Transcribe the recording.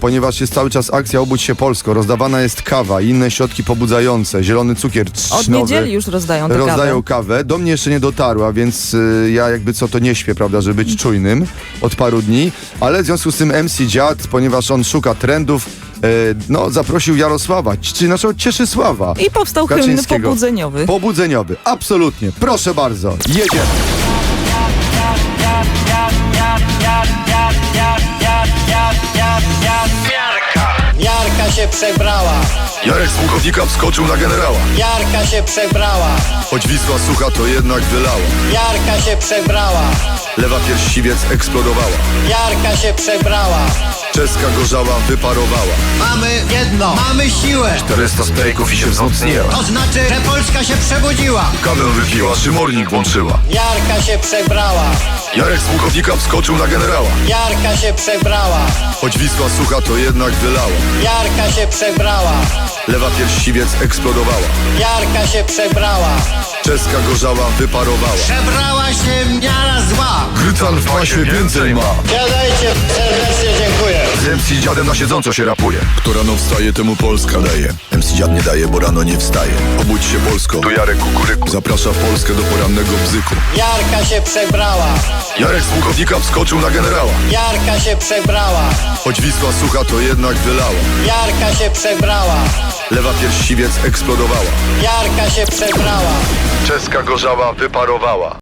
ponieważ jest cały czas akcja Obudź się Polsko. Rozdawana jest kawa i inne środki pobudzające, zielony cukier trzcinowy. Od niedzieli już rozdają tę Rozdają kawę. kawę. Do mnie jeszcze nie dotarła, więc ja jakby co to nie śpię, prawda, żeby być czujnym od paru dni. Ale w związku z tym MC Dziad, ponieważ on szuka trendów, zaprosił Jarosława, czyli naszego Cieszysława I powstał hymn Kaczyńskiego. pobudzeniowy. Pobudzeniowy, absolutnie. Proszę bardzo, jedziemy. Miarka się przebrała, Jarek z pułkownika wskoczył na generała. Jarka się przebrała, Choć Wisła sucha, to jednak wylała. Jarka się przebrała, Lewa pierś siwiec eksplodowała. Jarka się przebrała. Czeska gorzała wyparowała. Mamy jedno, mamy siłę. 400 stejków i się wzmocniła. To znaczy, że Polska się przebudziła. Kawę wypiła, szymornik włączyła. Jarka się przebrała, Jarek z pułkownika wskoczył na generała. Jarka się przebrała, Choć Wisła sucha, to jednak wylała. Jarka się przebrała, Lewa pierś siwiec eksplodowała. Jarka się przebrała. Czeska gorzała wyparowała. Przebrała się miara zła. Grycan w pasie więcej ma. Siadajcie, serdecznie dziękuję. Z MC Dziadem na siedząco się rapuje. Kto rano wstaje, temu Polska daje. MC Dziad nie daje, bo rano nie wstaje. Obudź się Polsko. Tu Jarek Kukuryku. Zaprasza Polskę do porannego bzyku. Jarka się przebrała, Jarek z pułkownika wskoczył na generała. Jarka się przebrała, Choć Wisła sucha, to jednak wylała. Jarka się przebrała, Lewa pierś siwiec eksplodowała. Jarka się przebrała. Czeska gorzała wyparowała.